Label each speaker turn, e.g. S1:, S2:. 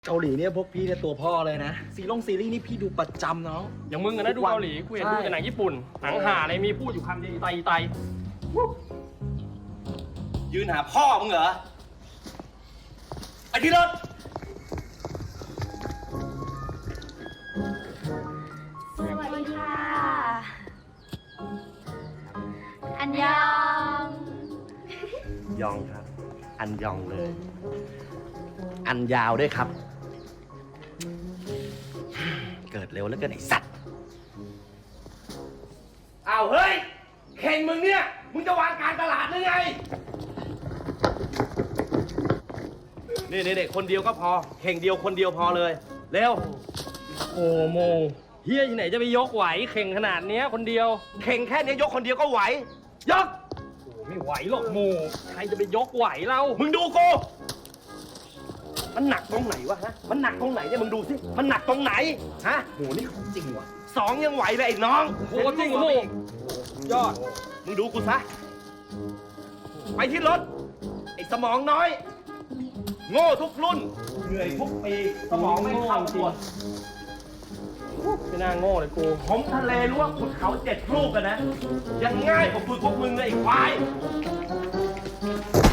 S1: เกาหลีเนี่ยพวกพี่เนี่ยตัวพ่อเลยนะซีรีส์นี่พี่ดูประจำเนาะ
S2: อย่างมึงอะนะดูเกาหลีกูเห็นดูแต่หนังญี่ปุ่นหนังห่าอะไรมีพูดอยู่คำเดียวไต
S1: ยืนหาพ่อมึงเหรอไอ้ที่รถ
S3: สวัสดีค่ะ อันยอง
S1: ยองครับ อันยองเลย อันยาวด้วยครับ เกิดเร็วแล้วเกินไอ้สัตว์อ้าวเฮ้ยเข่งมึงเนี่ยมึงจะวางการตลาดหรือไงนี่คนเดียวก็พอเข่งเดียวคนเดียวพอเลยเร็ว
S2: โอ้โมเฮียที่ไหนจะไปยกไหวเข่งขนาดเนี้ยคนเดียว
S1: เข่งแค่นี้ยกคนเดียวก็ไหวยก
S2: โอ้ไม่ไหวหรอกโมใครจะไปยกไหวเล่า
S1: มึงดูกูมันหนักตรงไหนวะฮะมันหนักตรงไหนเนี่ยมึงดูสิมันหนักตรงไหนฮะโหนี่ของจริงว่ะสองยังไหวเลยไอ้น้อง
S2: โอ้จริงโมยอด
S1: มึงดูกูซะไปที่รถไอ้สมองน้อยโง่ทุกรุ่นเหนื่อยทุกปีสมองไม่เข้าตัว
S2: ไม่น่าโง่เลยกู
S1: ผมทะเลล้วงขุดเขา7 ลูกกันนะยังง่ายกว่าฝึกพวกมึงเลยไอ้ควาย